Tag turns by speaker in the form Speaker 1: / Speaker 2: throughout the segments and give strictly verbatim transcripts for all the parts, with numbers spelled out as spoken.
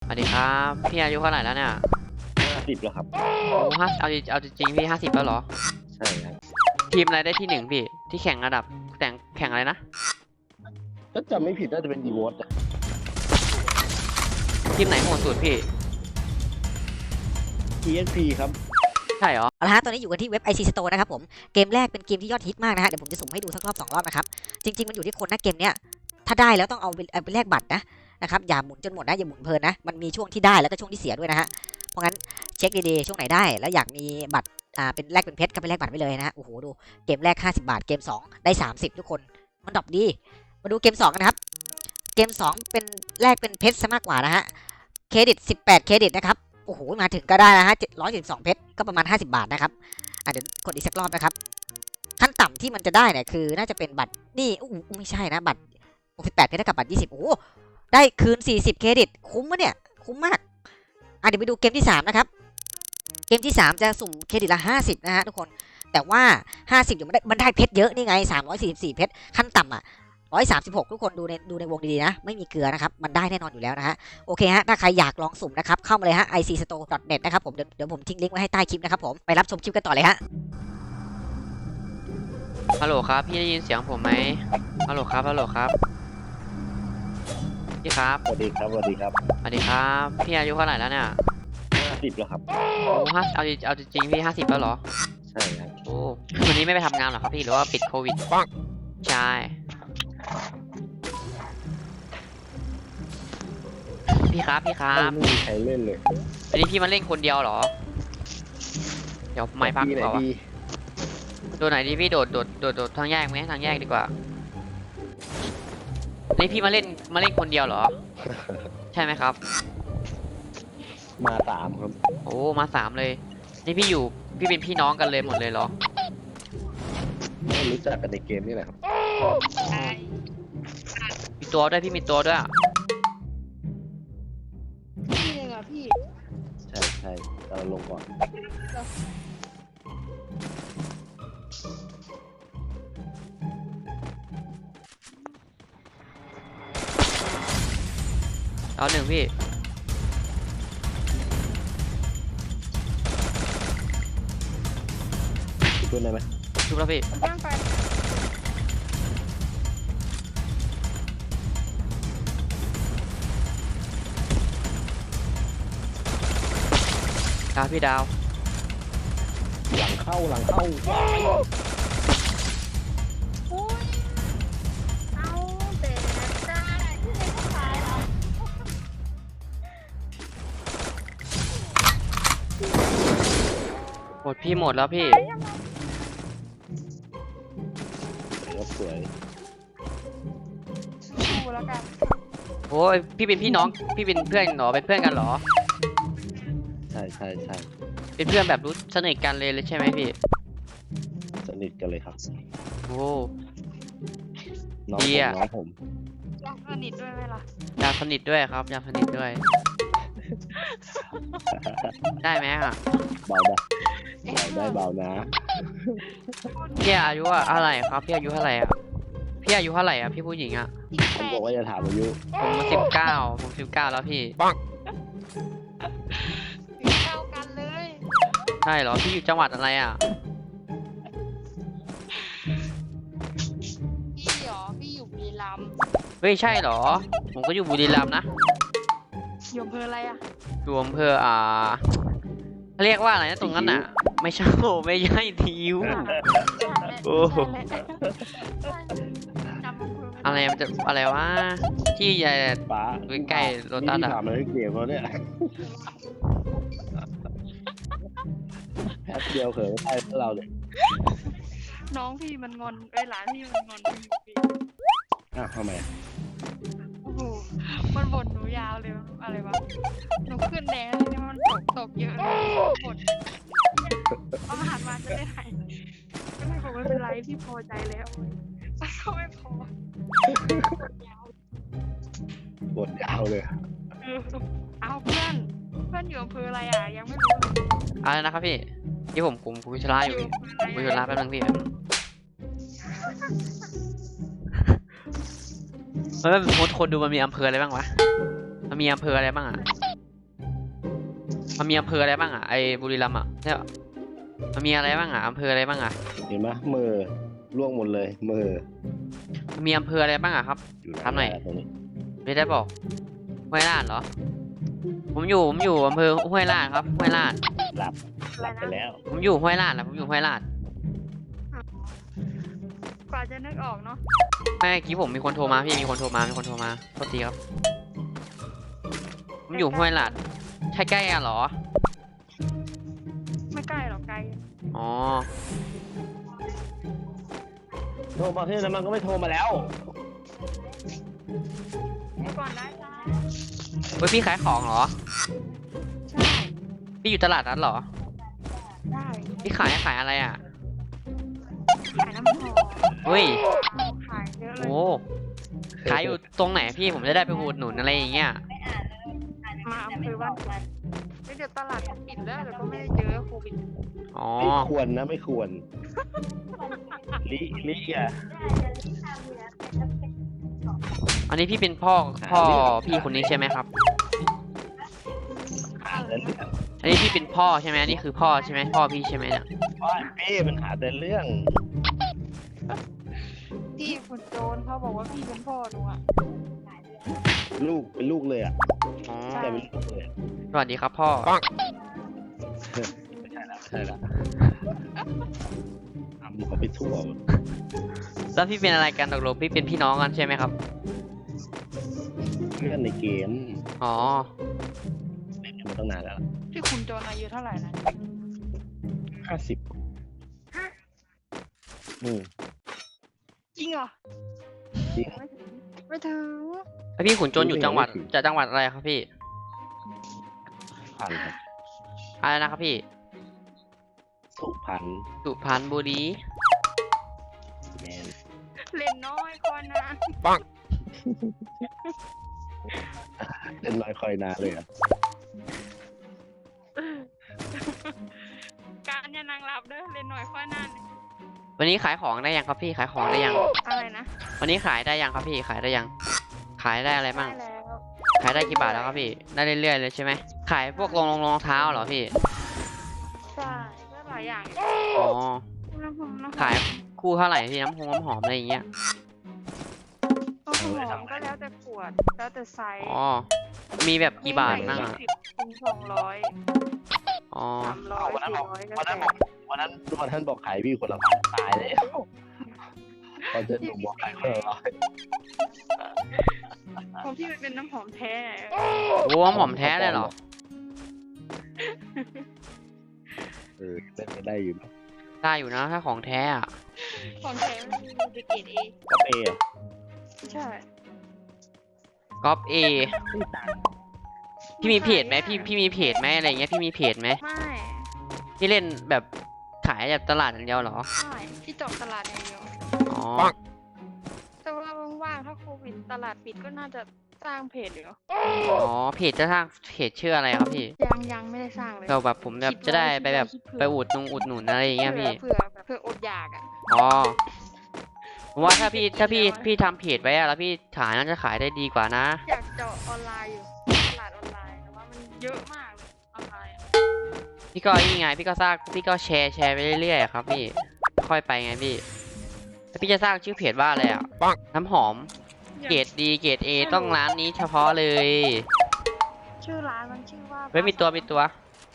Speaker 1: วัสดีครับพี่อายุเท่าไหร่แล้วเนี่ย
Speaker 2: ห้าสิบแล้วครับ
Speaker 1: โอ้ห้าเอาจริงเอาจริงๆพี่ห้าสิบแล้วเหรอ
Speaker 2: ใช่ครับ
Speaker 1: ทีมอะไรได้ที่หนึ่งพี่ที่แข่งระดับแต่งแข่งอะไรนะ
Speaker 2: ถ้าจำไม่ผิดน่าจะเป็นดีวอต
Speaker 1: ทีมไหนโหดสุดพี่
Speaker 2: ที เอส พี ครับ
Speaker 1: ใช่เหรอ
Speaker 3: เอาละฮะตอนนี้อยู่กันที่เว็บ ไอ ซี Store นะครับผมเกมแรกเป็นเกมที่ยอดฮิตมากนะฮะเดี๋ยวผมจะสุ่มให้ดูสักรอบสองรอบนะครับจริงๆมันอยู่ที่คนนะเกมเนี้ยถ้าได้แล้วต้องเอาไปเอาไปแลกบัตรนะนะครับอย่าหมุนจนหมดนะอย่าหมุนเพลินนะมันมีช่วงที่ได้แล้วก็ช่วงที่เสียด้วยนะฮะเพราะงั้นเช็คดีๆช่วงไหนได้แล้วอยากมีบัตรอ่าเป็นแลกเป็นเพชรก็ไปแลกบัตรไปเลยนะฮะโอ้โหดูเกมแรกห้าสิบบาทเกมสองได้สามสิบทุกคนมันดรอปดีมาดูเกมสองกันนะครับเกมสองเป็นแลกเป็นเพชรซะมากกว่านะฮะเครดิตสิบแปดเครดิตนะครับโอ้โหมาถึงก็ได้นะฮะเจ็ดร้อยเจ็ดสิบสองเพชรก็ประมาณห้าสิบบาทนะครับอ่ะเดี๋ยวกดอีกสักรอบนะครับขั้นต่ำที่มันจะได้เนี่ยคือน่าจะเป็นบัตรนี่อู้ไม่ใช่นะบัตรหกสิบแปดเพชรเท่ากับบัตรยี่สิบโอ้ได้คืนสี่สิบเครดิตคุ้มมะเนี่ยคุ้มมากอ่ะเดี๋ยวไปดูเกมที่สามนะครับเกมที่สามจะสุ่มเครดิตละห้าสิบนะฮะทุกคนแต่ว่าห้าสิบอยู่มันได้มันได้เพชรเยอะนี่ไงสามร้อยสี่สิบสี่เพชรขั้นต่ำอ่ะร้อยสามสิบหกทุกคนดูในดูในวงดีๆนะไม่มีเกลือนะครับมันได้แน่นอนอยู่แล้วนะฮะโอเคฮะถ้าใครอยากลองสุ่มนะครับเข้ามาเลยฮะ ไอ ซี สโตร์ ดอท เน็ต นะครับผมเดี๋ยวเดี๋ยวผมทิ้งลิงก์ไว้ให้ใต้คลิปนะครับผมไปรับชมคลิปกันต่อเลยฮะ
Speaker 1: ฮัลโหลครับพี่ได้ยินเสียงผมไหมฮัลโหลครับฮัลโหลครับพี่ครับ
Speaker 2: สวัสดีครับสวัสดีครับ
Speaker 1: สวัสดีครับพี่อายุเท่าไหร่แล้วเนี่ย
Speaker 2: ห้าสิบแล้วครับ
Speaker 1: โอ้ห้าเอาจริงเอาจริงๆพี่ห้าสิบแล้วเหรอ
Speaker 2: ใช่ครับ
Speaker 1: โอ้วันนี้ไม่ไปทำงานหรอครับพี่หรือว่าปิดโควิดใช่พี่ครับพี่ครับ
Speaker 2: ไม่มีใครเล่นเลย
Speaker 1: วันนี้พี่มาเล่นคนเดียวเหรอเดี๋ยวไม่พัก
Speaker 2: ที่ไหน
Speaker 1: ก่อนวะ
Speaker 2: ดี
Speaker 1: โดดไหนดีพี่โดดโดดโดดโดดทางแยกไหมทางแยกดีกว่านี่พี่มาเล่นมาเล่นคนเดียวเหรอ ใช่ไหมครับ
Speaker 2: มาสามครับ
Speaker 1: โอ้มาสามเลยนี่พี่อยู่พี่เป็นพี่น้องกันเลยหมดเลยเหรอ
Speaker 2: ไม่รู้จักกันในเกมนี่แหละครับ
Speaker 1: มีตัวด้วยพี่มีตัวด้วยอะ
Speaker 4: พี่หนึ่งอ่ะพี่
Speaker 2: ใช่ใช่เราลงก่อน
Speaker 1: เอาหนึ่งพี่
Speaker 2: ช่วยได้ไหม
Speaker 1: ชุบแล้วพี่
Speaker 4: ตั้งไป
Speaker 1: ดาวพี่ดาว
Speaker 2: หลังเข้าหลังเข้า
Speaker 4: โอ้ยเอาแต่ได้ที่ไหนก็ขายเหรอ
Speaker 1: หมดพี่หมดแล้วพี่
Speaker 4: ขายยังไง
Speaker 2: รถสวย
Speaker 4: ดูแล้วกัน
Speaker 1: โอ้ยพี่เป็นพี่น้องพี่เป็นเพื่อนเหรอเป็นเพื่อนกันเหรอ
Speaker 2: ใช่ใช่ใช่
Speaker 1: เป็นเพื่อนแบบรู้สนิทกันเลยเลยใช่ไหมพี่
Speaker 2: สนิทกันเลยครับ
Speaker 1: โอ้
Speaker 2: น้อง
Speaker 1: ดี
Speaker 2: ผม
Speaker 1: อะ
Speaker 2: น้องผม
Speaker 4: อยากสนิทด้วยไหมล่ะ
Speaker 1: อยากสนิทด้วยครับอยากสนิทด้วย ได้ไหมอ่ะ
Speaker 2: เบาได้เบาได้เบานะ
Speaker 1: พี่อายุอะอะไรครับพี่อายุเท่าไหร่อ่ะพี่อายุเท่าไหร่อ่ะพี่ผู้หญิงอ่ะ
Speaker 4: อีก
Speaker 2: ผ
Speaker 4: แป
Speaker 2: ม
Speaker 4: ด
Speaker 2: บอกว่าจะถามอายุ
Speaker 1: ผมสิบเก้าผมสิบเก้าแล้วพี่
Speaker 4: ถึงเท่ากันเลย
Speaker 1: ใช่เหรอพี่อยู่จังหวัดอะไรอ่ะ
Speaker 4: พี่เหรอพี่อยู่บุรีรัมย์
Speaker 1: เฮ้ยใช่เหรอผมก็อยู่บุรีรัมย์นะ
Speaker 4: อยู่อำเภออะไรอ่ะ
Speaker 1: อยู่อำเภออ่าเรียกว่าอะไรนะตรงนั้นอ่ะ ไม่ใช่โอ้ไม่ใช่ทิว โอ้โห
Speaker 4: จำอำเภอม่
Speaker 1: อะไรมันจะอะไรวะที่ใหญ่
Speaker 2: ป้า
Speaker 1: ใกล้ๆโลตัสอะ
Speaker 2: นี่ที่ถามมาเล่นเกมเขาเนี่ยแป๊บเดียวเขินได้เราเลย
Speaker 4: น้องพี่มันงอนไอ้ยหลานพี่มันงอนพี่
Speaker 2: อ่ะทำไม
Speaker 4: โอ้โหมันบ่นหนูยาวเลยอะไรวะหนูขึ้นแดงแล้วทีนี้มันตกตกเยอะเลยบ่นเอาอาหารมาจะได้หายก็เลยบอกไม่เป็นไรพี่พอใจแล้วแต่ก็ไม่พอยาว
Speaker 2: บทยาวเลย
Speaker 4: เออเอาเพื่อนเพื่อนอยู่อำเภออะไรอ่ะยังไม่รู้เลย
Speaker 1: อะไรนะครับพี่ที่ผมคุมคุยชลาอยู่พี่คุยชลาแป๊บนึงพี่เฮ้ยคนคนดูมันมีอำเภออะไรบ้างวะมันมีอำเภออะไรบ้างอ่ะมันมีอำเภออะไรบ้างอ่ะไอ้บุรีรัมย์อ่ะเนี่ยมันมีอะไรบ้างอ่ะอำเภออะไรบ้างอ่ะ
Speaker 2: เห็นไหมมือล่วงหมดเลยมือ
Speaker 1: มันมีอำเภออะไรบ้างอ่ะครับ
Speaker 2: อยู่
Speaker 1: ถามหน่อย
Speaker 2: ตรงนี้
Speaker 1: ไม่ได้บอกห้วยลาดเหรอผมอยู่ผมอยู่อำเภอห้วยลาดครับห้วยลาด
Speaker 2: หลับ
Speaker 4: อะไร
Speaker 2: หลับไป
Speaker 4: นะ
Speaker 2: แล้ว
Speaker 1: ผมอยู่ห้วยลาดนะผมอยู่ห้วยลาด
Speaker 4: กว่าจะนึกออกเนาะ
Speaker 1: แม่เมื่อกี้ผมมีคนโทรมาพี่มีคนโทรมามีคนโทรมาโทษทีครับผมอยู่ห้วยลาดใช่ใกล้กันเหรอ
Speaker 4: ไม่ใกล้หรอกไกล
Speaker 1: อ๋อ
Speaker 2: โทรมาที่นั้นมันก็ไม่โทรมาแล้ว
Speaker 4: เมื่อก่อนได้จ้า
Speaker 1: เฮ้ยพี่ขายของเหรอ
Speaker 4: ใช่
Speaker 1: พี่อยู่ตลาดนั้นเหรอ
Speaker 4: ได้
Speaker 1: พี่ขายขายอะไรอ่ะ
Speaker 4: ขายน้ำหอม
Speaker 1: เฮ้ย
Speaker 4: ขายเยอะเลย
Speaker 1: โอ้ขายอยู่ตรงไหนพี่ผมจะได้ไปอุดหนุนอะไรอย่างเงี้ย
Speaker 4: มาอำเภอบ้านไม่เดี๋ยวตลาดปิดแล้วเดี๋ยวก็ไม่ได้เจอโควิด
Speaker 1: อ๋อ
Speaker 2: ไม่ควรนะไม่ควรลิลิอ่ะ
Speaker 1: อันนี้พี่เป็นพ่อพ่อพี่คนนี้ใช่ไหมครับ
Speaker 2: หาแต่เรื่อง
Speaker 1: อันนี้พี่เป็นพ่อใช่ไหมอันนี้คือพ่อใช่ไหมพ่อพี่ใช่ไหมเนี่ย
Speaker 2: ว่าเป้มันหาแต่เรื่อง
Speaker 4: พี่คุณโจนเขาบอกว่าพี่เป็นพ่อหนูอ่ะ
Speaker 2: ลูกเป็นลูกเลยอ่ะ
Speaker 1: อ๋อ
Speaker 2: แต่เป็นลูกเลยอะ
Speaker 1: สวัสดีครับพ่อ
Speaker 2: ไม่ใช่ละไม่ใช่ละทำเขาไปทั่วหมด
Speaker 1: แล้วพี่เป็นอะไรกันตกลงพี่เป็นพี่น้องกันใช่ไหมครับ
Speaker 2: เพื่อนในเกม
Speaker 1: อ๋อ
Speaker 2: เล่นกันมาตั้งนานแล้ว
Speaker 4: พี่คุณโจนอายุเท่าไหร่นะ
Speaker 2: ห้าสิบอืม
Speaker 4: จริงเหรอ
Speaker 2: จริง
Speaker 4: ไม่ถึงไม่ถึง
Speaker 1: แล้วพี่ขุนจนอยู่จังหวัดจะจังหวัดอะไรครับพี่
Speaker 2: พันครับ
Speaker 1: อะไรนะครับพี่
Speaker 2: สุพัน
Speaker 1: สุพรรณบุรี
Speaker 2: แมน
Speaker 4: เล่นน้อยคนนะ
Speaker 2: เล่นน้อยคอยนานเลยอ่ะ
Speaker 4: การอย่านางรับเด้อเล่นน้อยคนนั้น
Speaker 1: วันนี้ขายของได้ยังครับพี่ขายของได้ยัง
Speaker 4: อะไรนะ
Speaker 1: วันนี้ขายได้ยังครับพี่ขายได้ยัง ขายได้อะไรบ้าง
Speaker 4: ได้แล้ว
Speaker 1: ขายได้กี่บาทแล้วครับพี่ ได้เรื่อยๆเลยใช่ไหมขายพวกรองรองรองเท้าเหรอพี่
Speaker 4: ใช่ก็หลายอย่าง
Speaker 1: อ๋อ
Speaker 4: น้ำหอมน้ำหอม
Speaker 1: ขายคู่เท่าไหร่พี่น้ำหอมน้ำหอมอะไรอย่างเงี้ย
Speaker 4: น้ำหอมก็แล้วแต่ขวดแล้วแต่ไซส์
Speaker 1: อ๋อ มีแบบกี่บาทบ้างอ่ะ
Speaker 4: สิบถึงสองร้อย
Speaker 1: อ๋อ
Speaker 4: สามร้อย
Speaker 2: วันนั้น
Speaker 4: สี่
Speaker 2: บอก
Speaker 4: ร้อยก็
Speaker 2: วันนั้น
Speaker 4: แต่
Speaker 2: บอกวันนั้นวันนั้นบอกขายพี่คนละพันตายเลยตอนจะหนูบอกขายคนละร้อย
Speaker 4: ของพี่มันเป็นน้ำหอมแท้
Speaker 1: โอ้น้ำหอมแท้เลยเหรอ
Speaker 2: เออเป็นไปได้อยู่นะ
Speaker 1: ได้อยู่นะถ้าของแท้อะ
Speaker 4: ของแท้มันมีเกรดเอ
Speaker 2: ก็เปย์อะ
Speaker 4: ใช่
Speaker 1: ก๊อปเอ
Speaker 2: ไม่ต่าง
Speaker 1: พี่มีเพจไหมพี่พี่มีเพจไหมอะไรเงี้ยพี่มีเพจไหม
Speaker 4: ไม่
Speaker 1: พี่เล่นแบบขายแบบตลาดอย่างเดียวเหรอ
Speaker 4: ไม่ที่จบตลาดอย่างเดียว
Speaker 1: อ๋อ
Speaker 4: แต่ว่าว่างๆถ้าโควิดตลาดปิดก็น่าจะสร้างเพจอยู่
Speaker 1: อ๋อเพจจะสร้างเพจชื่ออะไรครับพี่
Speaker 4: ยังยังไม่ได้สร้างเลย
Speaker 1: เราแบบผมแบบจะได้ไปแบบไปอุดนุงอุดหนุนอะไรอย่างเงี้ยพี่
Speaker 4: เผื่อแบบเผื่ออดอยากอ่ะ
Speaker 1: อ๋อผมว่าถ้าพี่ถ้าพี่พี่ทำเพจไว้อะแล้วพี่ขายน่าจะขายได้ดีกว่านะ
Speaker 4: อยากเจาะออนไลน์อยู่ตลาดออนไลน์แต่ว่ามันเยอะมากเลยออนไลน์อะ
Speaker 1: พี่ก็นี่ไงพี่ก็สร้างพี่ก็แชร์แชร์ไปเรื่อยๆอะครับพี่ค่อยไปไงพี่แล้วพี่จะสร้างชื่อเพจว่าอะไรอ่ะน้ำหอมเกรดดีเกรดเอต้องร้านนี้เฉพาะเลย
Speaker 4: ชื่อร้านมันชื่อว่า
Speaker 1: เฮ้ยมีตัวมีตัว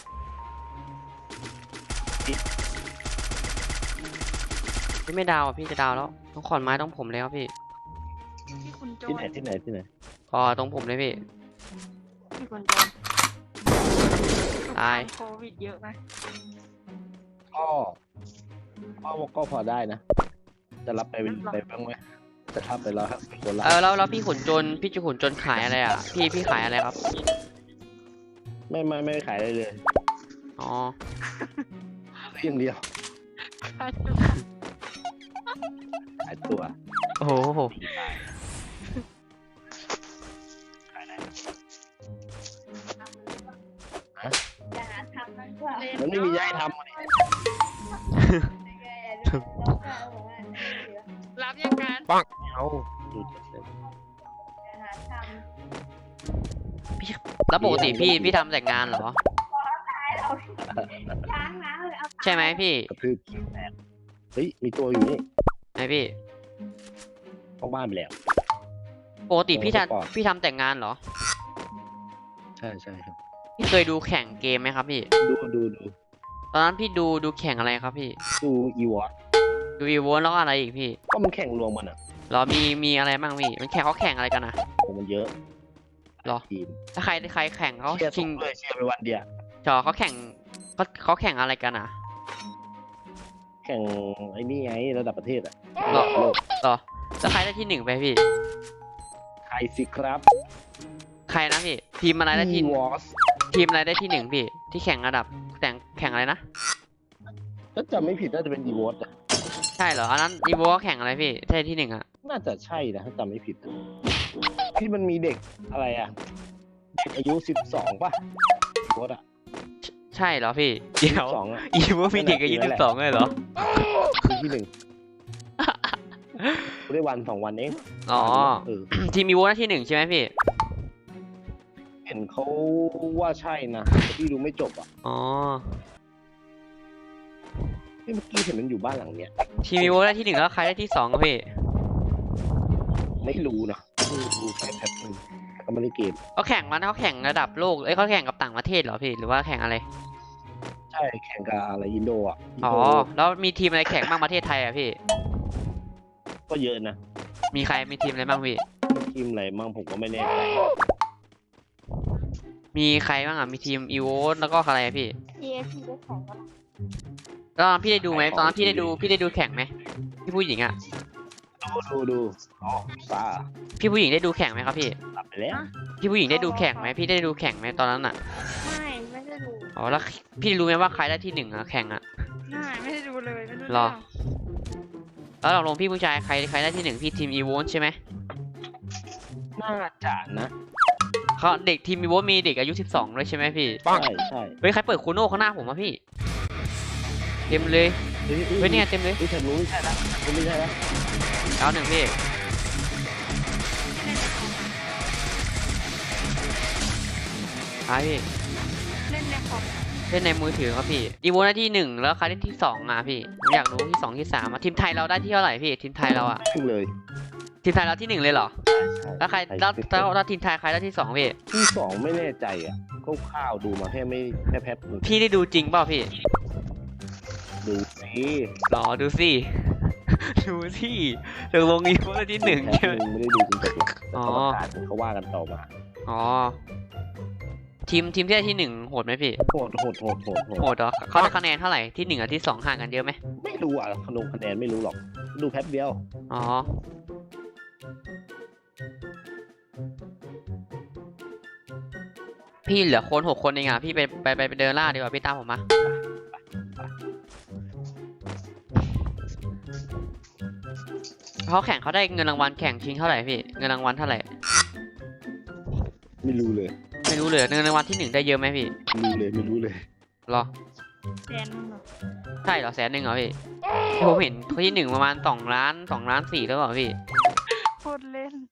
Speaker 1: พี่ไม่ดาวอ่ะพี่จะดาวแล้วต้องขอนไม้ต้องผมเลยครับพี่
Speaker 4: ที่คุณโจ
Speaker 2: ที่
Speaker 4: น
Speaker 2: ไหนที่ไหนที่ไหน
Speaker 1: พอตรงผมเลยพี่
Speaker 4: ที่คุณโจน
Speaker 1: ตาย
Speaker 4: โควิดเยอะไหม
Speaker 2: ก็ก็ก็พอได้นะ จะรับไปไปบ้างไหมจะรับไปแล้วครับคนละ
Speaker 1: เออแล้วแล้วพี่ขุนจนพี่จะขุนจนขายอะไรอ่ะพี่พี่ขายอะไรครับ
Speaker 2: ไม่ไม่ไม่ขายอะไรเลย
Speaker 1: อ๋อ
Speaker 2: เพียงเดียวขายตัว
Speaker 1: โอ้โห
Speaker 2: ที่ตายขายได้มันไม่มีย้ายทำอะดิ
Speaker 4: รับยังการ
Speaker 2: เอาดูเฉย
Speaker 1: แล้วปกติพี่พี่ทำแต่งานเหรอใช่ไหมพี่
Speaker 2: กระทืบขี้แตกเฮ้ยมีตัวอยู่นี่
Speaker 1: ไหนพี่
Speaker 2: เข้าบ้านไปแล้ว
Speaker 1: ปกติพี่
Speaker 2: โอ้ก่อน
Speaker 1: ทำพี่ทำแต่งงานเหรอ
Speaker 2: ใช่ใช่ครับ
Speaker 1: พี่เคยดูแข่งเกมไหมครับพี่
Speaker 2: ดูดูดู
Speaker 1: ตอนนั้นพี่ดูดูแข่งอะไรครับพี่
Speaker 2: ดูอีวอต
Speaker 1: ดูอีโวนแล้วก็อะไรอีกพี่
Speaker 2: ก็มันแข่งรวมมันอ่ะ
Speaker 1: เหรอมีมีอะไรบ้างพี่ มันแข่งเขาแข่งอะไรกันนะ
Speaker 2: โอ้มันเยอะ
Speaker 1: หรอ
Speaker 2: ทีม
Speaker 1: ถ้าใครใครแข่งเขา
Speaker 2: เชียร์
Speaker 1: ชิ
Speaker 2: ทุ
Speaker 1: ง
Speaker 2: กเลยเชียร์ไปวันเดียว
Speaker 1: จอเขาแข่งเขาเขาแข่งอะไรกันอ่ะ
Speaker 2: แข่งไอ้นี่ไงระดับประเทศอ่ะ
Speaker 1: หรอ
Speaker 2: โลก
Speaker 1: เหรอแล้วใครได้ที่หนึ่งไปพี่
Speaker 2: ใครสิครับ
Speaker 1: ใครนะพี่ ทีมอะไรได้ที่
Speaker 2: วอส
Speaker 1: ทีมอะไรได้ที่หนึ่งพี่ ที่แข่งระดับแต่งแข่งอะไรนะ
Speaker 2: ถ้าจำไม่ผิดน่าจะเป็นอีวอตอ่ะ
Speaker 1: ใช่เหรอ อันนั้นอีโวก็แข่งอะไรพี่ได้ที่หนึ่งอ่ะ
Speaker 2: น่าจะใช่นะถ้าจำไม่ผิดอะที่มันมีเด็กอะไรอ่ะเด็กอายุสิบสองป่ะอีวอตอ่ะ
Speaker 1: ใช่เหรอพี่ เดี๋ยว
Speaker 2: สองอ่ะ
Speaker 1: อีโวมีเด็กอายุ
Speaker 2: นั่
Speaker 1: สิ
Speaker 2: นแห
Speaker 1: บ
Speaker 2: ละ
Speaker 1: สองเลยเหรอ
Speaker 2: คือที่หนึ่งได้วันสองวันเอง
Speaker 1: อ๋อ
Speaker 2: เออ
Speaker 1: ทีมอีโวได้ที่หนึ่งใช่ไหมพี่
Speaker 2: เห็นเขาว่าใช่นะแต่พี่ดูไม่จบอ่ะ
Speaker 1: อ๋อ
Speaker 2: เฮ้ยเมื่อกี้เห็นมันอยู่บ้านหลังเนี้ย
Speaker 1: ทีมอีโวได้ที่หนึ่งแล้วใครได้ที่สองอะพี่
Speaker 2: ไม่รู้นะดูดูแค่แป๊บนึงก็ไม่ได้เกม
Speaker 1: เขาแข่งมันเขาแข่งระดับโลกเอ้ยเขาแข่งกับต่างประเทศเหรอพี่ หรือว่าแข่งอะไร
Speaker 2: ใช่แข่งกับอะไรอินโดอ่ะอิน
Speaker 1: อ๋อ
Speaker 2: โด
Speaker 1: แล้วมีทีมอะไรแข่งบ้างประเทศไทยอ่ะพี่
Speaker 2: ก็เยอะนะ
Speaker 1: มีใครมีทีมอะไรบ้างพี่
Speaker 2: ทีมอะไรมั่งผมก็ไม่แน่ใจ
Speaker 1: มีใครบ้างอ่ะ มีทีมอีโวแล้วก็อะไรอะพี่
Speaker 4: เอฟพีได้แข่งกัน
Speaker 1: ตอนนั้นพี่ได้ดูไหมตอนนั้นพี่ได้ดูพี่ได้ดูแข่งไหมพี่ผู้หญิงอ่ะ
Speaker 2: ดูดูดูอ๋อฟ้า
Speaker 1: พี่ผู้หญิงได้ดูแข่งไหมครับพี่
Speaker 2: หลับไปแล้ว
Speaker 1: พี่ผู้หญิงได้ดูแข่งไหมพี่ได้ดูแข่งไหมตอนนั้นอ่ะ
Speaker 4: ไม่ไม่ได้ดู
Speaker 1: อ๋อแล้วพี่รู้ไหมว่าใครได้ที่หนึ่งอ่ะแข่งอ่ะ
Speaker 4: ไม่ไม่ได้ดูเลยไม่รู้
Speaker 1: หรอ
Speaker 4: เรื่อง
Speaker 1: แล้วเราลงพี่ผู้ชายใครใครได้ที่หนึ่งพี่ทีมอีโวใช่ไหม
Speaker 2: น่าจะนะ
Speaker 1: เขาเด็กทีมอีโวมีเด็กอายุสิบสองด้วยใช่ไหมพี่
Speaker 2: ใช่ใช่
Speaker 1: เฮ้ยใครเปิดคูโน่ข้างหน้าผมอ่ะพี่เต็มเลย
Speaker 2: เฮ้ย
Speaker 1: เฮ้ยเนี่ยเต็มเลย
Speaker 2: เฮ้ยฉันรู้ไม่ใช่แล้วฉันไม่ใช่แล้ว
Speaker 1: เอาหนึ่งพี่ไปพี่
Speaker 4: เล่นในคอม
Speaker 1: เล่นในมือถือครับพี่อีโวได้ที่หนึ่งแล้วใครได้ที่สองอ่ะพี่ผมอยากรู้ที่สองที่สามอ่ะทีมไทยเราได้ที่เท่าไหร่พี่ทีมไทยเราอ่ะ
Speaker 2: ขึ้นเลย
Speaker 1: ทีมไทยเราที่หนึ่งเลยเหรอแล้วใครแล้วแล้วแล้วทีมไทยใครได้ที่สองพี่
Speaker 2: ที่สองไม่แน่ใจอ่ะคร่าวๆดูมาแค่ไม่แค่แป๊บนึง
Speaker 1: พี่ได้ดูจริงเปล่าพี่
Speaker 2: ดูสิ
Speaker 1: รอดูสิ ดูสิตกลงอีโวได้ที่หนึ่ง
Speaker 2: แป๊
Speaker 1: ใช่ไหม
Speaker 2: บนึงไม่ได้ดูจริงจังแต่
Speaker 1: อ๋อ
Speaker 2: กรรมการเขาว่ากันต่อมา
Speaker 1: อ๋อทีมทีมที่ได้ที่หนึ่งโหดไหมพี่
Speaker 2: โหดโหดโหดโหดโหด
Speaker 1: โหดเหรอเขาได้คะแนนเท่าไหร่ที่หนึ่งกับที่สองห่างกันเยอะไหม
Speaker 2: ไม่รู้อ่ะขนมคะแนนไม่รู้หรอก ดูแป๊บเดียว
Speaker 1: อ๋อพี่เหลือคนหกคนเองอ่ะพี่ไปไปไปไปเดินล่าดีกว่าพี่ตามผมมาเขาแข่งเขาได้เงินรางวัลแข่งชิงเท่าไหร่พี่เงินรางวัลเท่าไหร่
Speaker 2: ไม่รู้เลย
Speaker 1: ไม่รู้เลยเงินรางวัลที่หนึ่งได้เยอะไหมพี่
Speaker 2: ไม่รู้เลยไม่รู้เลย
Speaker 1: หรอ
Speaker 4: แสนหนึ่งเหรอ
Speaker 1: ใช่เหรอแสนหนึ่งเหรอพี่ที่ผมเห็นเขาที่หนึ่งประมาณสองล้านสองล้านสี่แล้วเปล่าพี่
Speaker 4: โคตรเล่น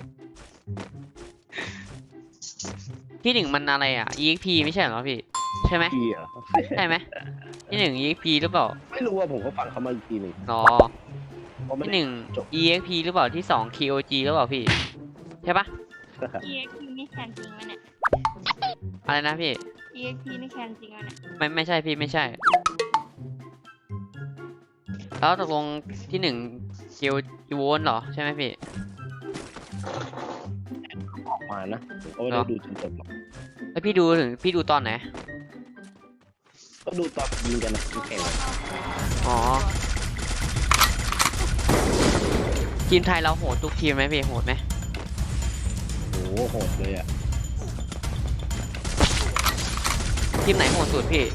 Speaker 1: ที่หนึ่งมันอะไรอ่ะ อี เอ็กซ์ พี ไม่ใช่เหรอพี่ใช่ไหม
Speaker 2: พี่อ่ะ
Speaker 1: ใช่ไหมที่หนึ่ง อี เอ็กซ์ พี หรือเปล่า
Speaker 2: ไม่รู้ว่าผมก็ฟังเขามาอีกทีหนึ่ง
Speaker 1: อ๋อ
Speaker 2: เพราะไม่
Speaker 1: ที่
Speaker 2: ได้
Speaker 1: หนึ่ง
Speaker 2: จบ
Speaker 1: อี เอ็กซ์ พี หรือเปล่าที่สอง เค โอ จี หรือเปล่าพี่ใช่ปะ
Speaker 4: เอ็กพีนี่แข่งจริงไหมเนี่ย
Speaker 1: อะไรนะพี่
Speaker 4: เอ็กพีนี่แข่งจริงไหมเนี่ย
Speaker 1: ไม่ไม่ใช่พี่ไม่ใช่ แล้วตกลงที่หนึ่ง เค โอ จี โวนเหรอใช่ไหมพี่
Speaker 2: ออกมานะผมก็ไม่ได้ดูจนจบหรอก
Speaker 1: แล้วพี่ดูถึงพี่ดูตอนไหน
Speaker 2: ก็ดูตอนยิงกันนะแข่งกัน
Speaker 1: อ๋อทีมไทยเราโหดทุกทีมไหมพี่โหดไหม
Speaker 2: โอ้โหโหดเลยอ่ะ
Speaker 1: ทีมไหนโหดสุดพี่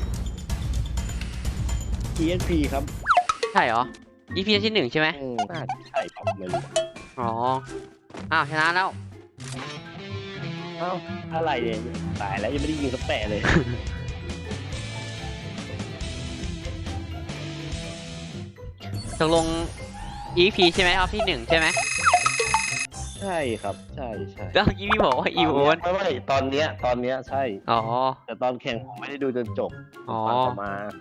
Speaker 2: ที เอส พี ครับ
Speaker 1: ใช่เหรอ อี พี ที่หนึ่งใช่ไหม
Speaker 2: อืมน่าจะใช่เปล่าไม่รู้
Speaker 1: อ๋อ อ้าวชนะแล้ว
Speaker 2: เอ้าอะไรเนี่ยตายแล้วยังไม่ได้ยิงสักแปะเลย
Speaker 1: ตกลง อี พี ใช่ไหมเอาที่หนึ่งใช่ไหม
Speaker 2: ใช่ครับใช่ใช่
Speaker 1: แล้วเมื่อกี้พี่บอกว่าอีโวน
Speaker 2: ไม่ไม่ตอนเนี้ยตอนเนี้ยใช่
Speaker 1: อ๋อ
Speaker 2: แต่ตอนแข่งผมไม่ได้ดูจนจบ
Speaker 1: อ๋อ
Speaker 2: ฟังเขามา